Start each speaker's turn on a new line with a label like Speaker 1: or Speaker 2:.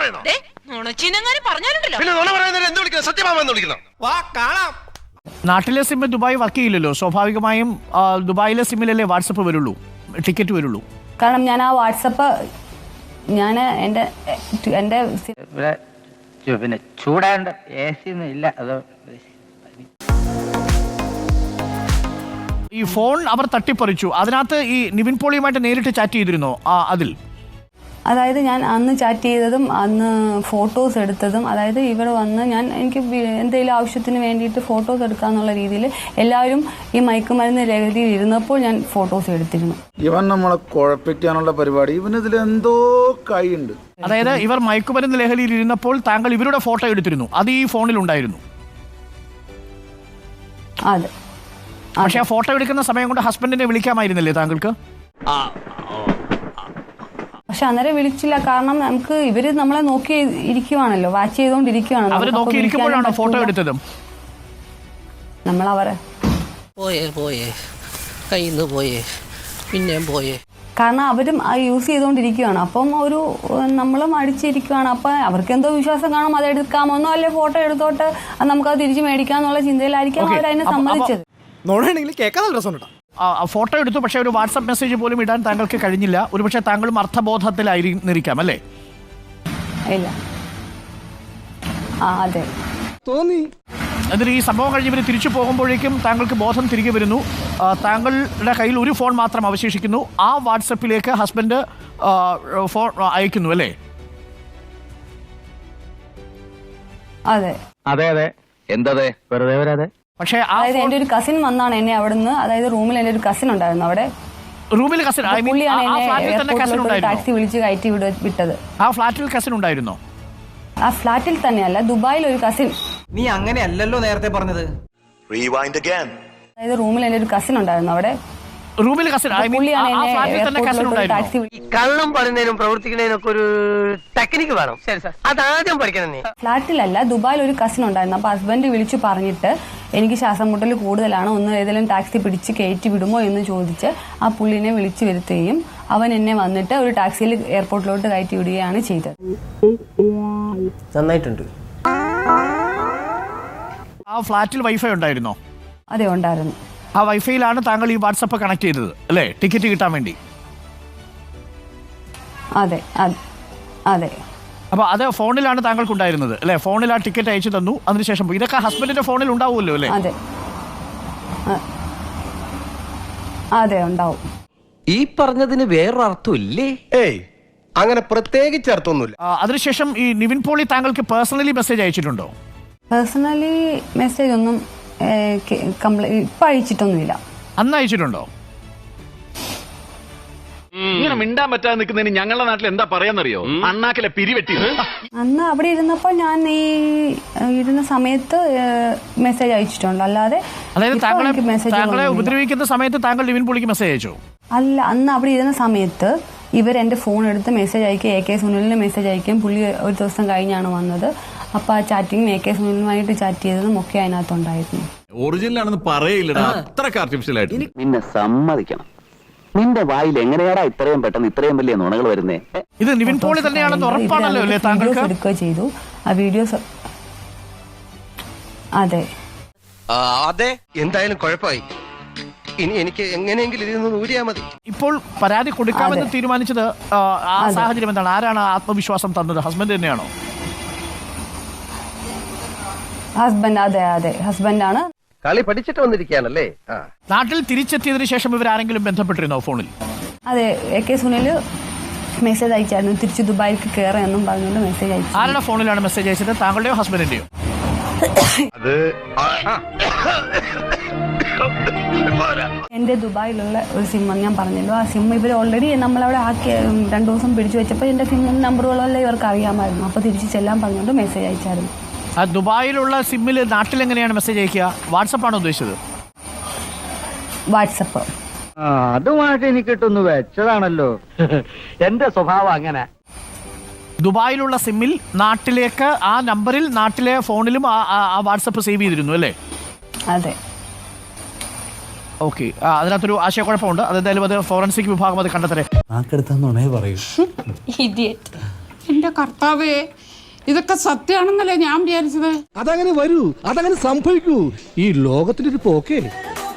Speaker 1: നാട്ടിലെ SIM Dubai work ചെയ്യില്ലല്ലോ, സ്വാഭാവികമായും ദുബായിലെ സിമ്മിലല്ലേ വാട്സപ്പ് വരുള്ളൂ, ടിക്കറ്റ് വരുള്ളൂ.
Speaker 2: കാരണം ഞാൻ ആ വാട്സപ്പ് ഞാൻ എൻ്റെ
Speaker 3: പിന്നെ ചൂടാണ്ട് AC ഒന്നും ഇല്ല. അത്
Speaker 1: ഈ ഫോൺ അവർ തട്ടിപ്പറിച്ചു. അതിനകത്ത് ഈ നിവിൻ പോളിയുമായിട്ട് നേരിട്ട് ചാറ്റ് ചെയ്തിരുന്നോ അതിൽ?
Speaker 2: അതായത് ഞാൻ അന്ന് ചാറ്റ് ചെയ്തതും അന്ന് ഫോട്ടോസ് എടുത്തതും, അതായത് ഇവിടെ വന്ന് എനിക്ക് എന്തെങ്കിലും ആവശ്യത്തിന് വേണ്ടിയിട്ട് ഫോട്ടോസ് എടുക്കാന്നുള്ള രീതിയിൽ എല്ലാവരും ഈ മയക്കുമരുന്ന് ലഹരിയിൽ ഇരുന്നപ്പോൾ ഞാൻ ഫോട്ടോസ് എടുത്തിരുന്നു.
Speaker 4: ഇവൻ നമ്മളെ കുഴപ്പിക്കാനുള്ള പരിപാടി, ഇവനിതിൽ എന്തോ കൈയുണ്ട്.
Speaker 1: അതായത് ഇവർ മയക്കുമരുന്ന് ലഹരിയിൽ ഇരുന്നപ്പോൾ താങ്കൾ ഇവരുടെ ഫോട്ടോ എടുത്തിരുന്നു, അത് ഈ ഫോണിൽ ഉണ്ടായിരുന്നു.
Speaker 2: അതെ.
Speaker 1: പക്ഷെ ആ ഫോട്ടോ എടുക്കുന്ന സമയം കൊണ്ട് ഹസ്ബൻഡിനെ വിളിക്കാമായിരുന്നില്ലേ താങ്കൾക്ക്?
Speaker 2: പക്ഷെ അന്നേരം വിളിച്ചില്ല. കാരണം നമുക്ക് ഇവര് നമ്മളെ നോക്കി ഇരിക്കുവാണല്ലോ, വാച്ച് ചെയ്തോണ്ടിരിക്കുവാണല്ലോ.
Speaker 1: അവര് നോക്കിയിരിക്കുമ്പോഴാണോ ഫോട്ടോ എടുത്തത്?
Speaker 2: നമ്മളവരെ
Speaker 5: പോയേ കയ്യിന്ന് പോയേ പിന്നെയും പോയേ.
Speaker 2: കാരണം അവരും യൂസ് ചെയ്തോണ്ടിരിക്കുവാണ്. അപ്പം നമ്മളും അടിച്ചിരിക്കുവാണ്. അപ്പൊ അവർക്ക് എന്തോ വിശ്വാസം കാണും, അത് എടുക്കാമെന്നോ അല്ലെ ഫോട്ടോ എടുത്തോട്ട് നമുക്കത് തിരിച്ചു മേടിക്കാന്നുള്ള ചിന്തയിലായിരിക്കും അവരതിനെ സമ്മതിച്ചത്.
Speaker 1: ഫോട്ടോ എടുത്തു, പക്ഷെ ഒരു വാട്സാപ്പ് മെസ്സേജ് പോലും ഇടാൻ താങ്കൾക്ക് കഴിഞ്ഞില്ല. ഒരുപക്ഷെ താങ്കളും അർത്ഥബോധത്തിലായിരിക്കാം അല്ലേ?
Speaker 2: ഇല്ല. അതെ
Speaker 4: തോന്നി.
Speaker 1: എന്നിട്ട് ഈ സംഭവം കഴിഞ്ഞ് ഇവർ തിരിച്ചു പോകുമ്പോഴേക്കും താങ്കൾക്ക് ബോധം തിരികെ വരുന്നു. താങ്കളുടെ കയ്യിൽ ഒരു ഫോൺ മാത്രം അവശേഷിക്കുന്നു. ആ വാട്സപ്പിലേക്ക് ഹസ്ബൻഡ് ഫോൺ അയക്കുന്നു അല്ലേ?
Speaker 2: അതെ
Speaker 3: അതെ അതെ. എന്തതെ വെറുതെ വരാതെ.
Speaker 1: പക്ഷേ
Speaker 2: അതായത് എന്റെ ഒരു കസിൻ വന്നാണ് എന്നെ അവിടുന്ന്, അതായത് റൂമിൽ എന്റെ ഒരു കസിൻ ഉണ്ടായിരുന്നു അവിടെ.
Speaker 1: റൂമിൽ കസിൻ?
Speaker 2: പുള്ളിയാണ് എന്നെ ടാക്സി വിളിച്ച് കയറ്റി വിട്ടത്.
Speaker 1: ആ ഫ്ലാറ്റിൽ കസിൻ ഉണ്ടായിരുന്നോ?
Speaker 2: ആ ഫ്ലാറ്റിൽ തന്നെയല്ല, ദുബായിൽ ഒരു കസിൻ.
Speaker 6: നീ അങ്ങനെയല്ലല്ലോ നേരത്തെ പറഞ്ഞത്.
Speaker 2: അതായത് റൂമിൽ എന്റെ ഒരു കസിൻ ഉണ്ടായിരുന്നു അവിടെ.
Speaker 1: റൂമിൽ കസിൻ?
Speaker 2: പുള്ളിയാണ് എന്നെ
Speaker 1: ടാക്സി
Speaker 5: കള്ളം പറയുന്നതിനും പ്രവർത്തിക്കുന്നതിനും ഒക്കെ ഒരു ടെക്നിക്ക് വേണം. അതാദ്യം പഠിക്കണം നീ.
Speaker 2: ഫ്ലാറ്റിലല്ല, ദുബായിൽ ഒരു കസിൻ ഉണ്ടായിരുന്നു. അപ്പൊ ഹസ്ബൻഡ് വിളിച്ചു പറഞ്ഞിട്ട് എനിക്ക് ശ്വാസം മുട്ടൽ കൂടുതലാണ്, ഒന്ന് ഏതെങ്കിലും ടാക്സി പിടിച്ച് കയറ്റി വിടുമോ എന്ന് ചോദിച്ച് ആ പുള്ളിനെ വിളിച്ചു വരുത്തുകയും അവൻ എന്നെ വന്നിട്ട് ഒരു ടാക്സിയിൽ എയർപോർട്ടിലോട്ട് കയറ്റി വിടുകയാണ് ചെയ്തത്.
Speaker 5: നന്നായിട്ടുണ്ട്.
Speaker 1: ആ ഫ്ലാറ്റിൽ വൈഫൈ ഉണ്ടായിരുന്നോ?
Speaker 2: അതെ, ഉണ്ടായിരുന്നു.
Speaker 1: ആ വൈഫൈയിലാണ് താങ്കൾ ഈ വാട്സപ്പ് കണക്ട് ചെയ്തത് അല്ലേ, ടിക്കറ്റ് കിട്ടാൻ വേണ്ടി?
Speaker 2: അതെ അതെ.
Speaker 1: അപ്പൊ അത് ഫോണിലാണ് താങ്കൾക്ക് ഉണ്ടായിരുന്നത് അല്ലെ? ഫോണിൽ ആ ടിക്കറ്റ് അയച്ചു തന്നു, അതിനുശേഷം പോയി. ഇതൊക്കെ ഹസ്ബൻഡിന്റെ ഫോണിൽ ഉണ്ടാവുമല്ലോ അല്ലേ?
Speaker 2: അതെ അതെ, ഉണ്ടാവും.
Speaker 5: ഈ പറഞ്ഞതിന് വേറൊരു അർത്ഥം ഇല്ലേ?
Speaker 7: ഏയ്, അങ്ങനെ പ്രത്യേകിച്ച് അർത്ഥമൊന്നുമില്ല.
Speaker 1: അതിനുശേഷം ഈ നിവിൻ പോളി താങ്കൾക്ക് പേഴ്സണലി മെസ്സേജ് അയച്ചിട്ടുണ്ടോ?
Speaker 2: പേഴ്സണലി മെസ്സേജ് ഒന്നും ഇപ്പൊ അയച്ചിട്ടൊന്നുമില്ല.
Speaker 1: അന്ന് അയച്ചിട്ടുണ്ടോ?
Speaker 8: ഇങ്ങനെ മിണ്ടാൻ പറ്റാതെ നിൽക്കുന്നതിന് ഞങ്ങളുടെ നാട്ടിൽ എന്താ പറയാന്നറിയോ? അണ്ണാക്കിലെ പിരിവെട്ടി.
Speaker 2: അന്ന് അവിടെ ഇരുന്നപ്പോൾ ഞാൻ ഈ ഇരുന്ന സമയത്ത് മെസ്സേജ് അയച്ചിട്ടുണ്ട്, അല്ലാതെ
Speaker 1: താങ്കളെ ഉപദ്രവിക്കുന്ന സമയത്ത് താങ്കൾ നിവിൻ പോളിക്ക് മെസ്സേജ് അയച്ചോ?
Speaker 2: അല്ല, അന്ന് അവിടെ ഇരുന്ന സമയത്ത് എന്റെ ഫോൺ എടുത്ത് മെസ്സേജ് അയക്കുക, AK സുനിലിന് മെസ്സേജ് അയക്കുകയും പുള്ളി ഒരു ദിവസം കഴിഞ്ഞാണ് വന്നത്. അപ്പൊ ആ ചാറ്റിംഗ് AK സുനിലുമായിട്ട് ചാറ്റ് ചെയ്തതും ഒക്കെ അതിനകത്തുണ്ടായിരുന്നു.
Speaker 8: ഒറിജിനൽ ആണെന്ന് പറയില്ലടാ, അത്രക്ക് ആർട്ടിഫിഷ്യൽ ആയിട്ട്.
Speaker 3: നിന്നെ സമ്മതിക്കണം, നിന്റെ വായിൽ എങ്ങനെയാടാ ഇത്രയും പെട്ടെന്ന് ഇത്രയും വലിയ നുണകൾ വരുന്നേ?
Speaker 1: ഇത് നിവിൻ പോളി തന്നെയാണെന്ന് ഉറപ്പാണല്ലോ അല്ലേ താങ്കൾക്ക്?
Speaker 2: എടുക്കുക ചെയ്തു ആ വീഡിയോസ്. അതെ
Speaker 7: അതെ, എന്തായാലും കുഴപ്പമായി. ഇനി എനിക്ക് എങ്ങനെയെങ്കിലും ഇതിൽ നിന്ന് ഊരിയാ മതി.
Speaker 1: ഇപ്പോൾ പരാതി കൊടുക്കാമെന്ന് തീരുമാനിച്ചത് ആ സാഹചര്യം എന്താണ്? ആരാണ് ആത്മവിശ്വാസം തന്നത്? ഹസ്ബൻഡ് തന്നെയാണോ?
Speaker 2: ഹസ്ബൻഡ്. അതെ അതെ, ഹസ്ബൻഡാണ്.
Speaker 7: കളി പഠിച്ചിട്ട് വന്നിരിക്കുകയാണല്ലേ.
Speaker 1: നാട്ടിൽ തിരിച്ചെത്തിയതിനു ശേഷം ഇവരാരെങ്കിലും ബന്ധപ്പെട്ടിരുന്നോ ഫോണിൽ?
Speaker 2: അതെ, AK സുനിൽ മെസ്സേജ് അയച്ചായിരുന്നു, തിരിച്ച് ദുബായിക്ക് കയറാമെന്നും പറഞ്ഞുകൊണ്ട് മെസ്സേജ് അയച്ചു.
Speaker 1: ആരുടെ ഫോണിലാണ് മെസ്സേജ് അയച്ചത്? താങ്കളുടെയോ ഹസ്ബൻഡിന്റെയോ?
Speaker 2: എന്റെ ദുബായിലുള്ള ഒരു സിം ഞാൻ പറഞ്ഞല്ലോ, ആ സിം ഇവർ ഓൾറെഡി നമ്മളവിടെ ആക്കി 2 ദിവസം പിടിച്ചു വെച്ചപ്പോൾ എന്റെ സിം നമ്പറുകളെല്ലാം ഇവർക്ക് അറിയാമായിരുന്നു. അപ്പൊ തിരിച്ച് ചെല്ലാൻ പറഞ്ഞുകൊണ്ട് മെസ്സേജ് അയച്ചായിരുന്നു.
Speaker 1: ആ ദുബായിലുള്ള സിമ്മിൽ നാട്ടിൽ എങ്ങനെയാണ് മെസ്സേജ് അയക്കുക? വാട്സപ്പാണോ ഉദ്ദേശിച്ചത്?
Speaker 2: വാട്സപ്പ്.
Speaker 3: അതുമായിട്ട് എനിക്കിട്ടൊന്ന് വെച്ചതാണല്ലോ. എന്റെ സ്വഭാവം അങ്ങനെ.
Speaker 1: ദുബായിലുള്ള സിമ്മിൽ നാട്ടിലേക്ക് ആ നമ്പറിൽ നാട്ടിലെ ഫോണിലും ആ വാട്സപ്പ് സേവ് ചെയ്തിരുന്നു അല്ലേ?
Speaker 2: അതെ.
Speaker 1: ഓക്കെ, അതിനകത്തൊരു ആശയക്കുഴപ്പമുണ്ട്. അതെന്തായാലും അത് ഫോറൻസിക് വിഭാഗം അത് കണ്ടെത്തരെ.
Speaker 4: നാക്കെടുത്താന്നുണേ പറയൂ.
Speaker 2: ഇഡിയറ്റ്.
Speaker 9: എന്റെ കർത്താവേ, ഇതൊക്കെ സത്യമാണെന്നല്ലേ ഞാൻ വിചാരിച്ചത്.
Speaker 10: അതങ്ങനെ വരൂ, അതങ്ങനെ സംഭവിക്കൂ. ഈ ലോകത്തിന്റെ ഒരു പോക്കേ.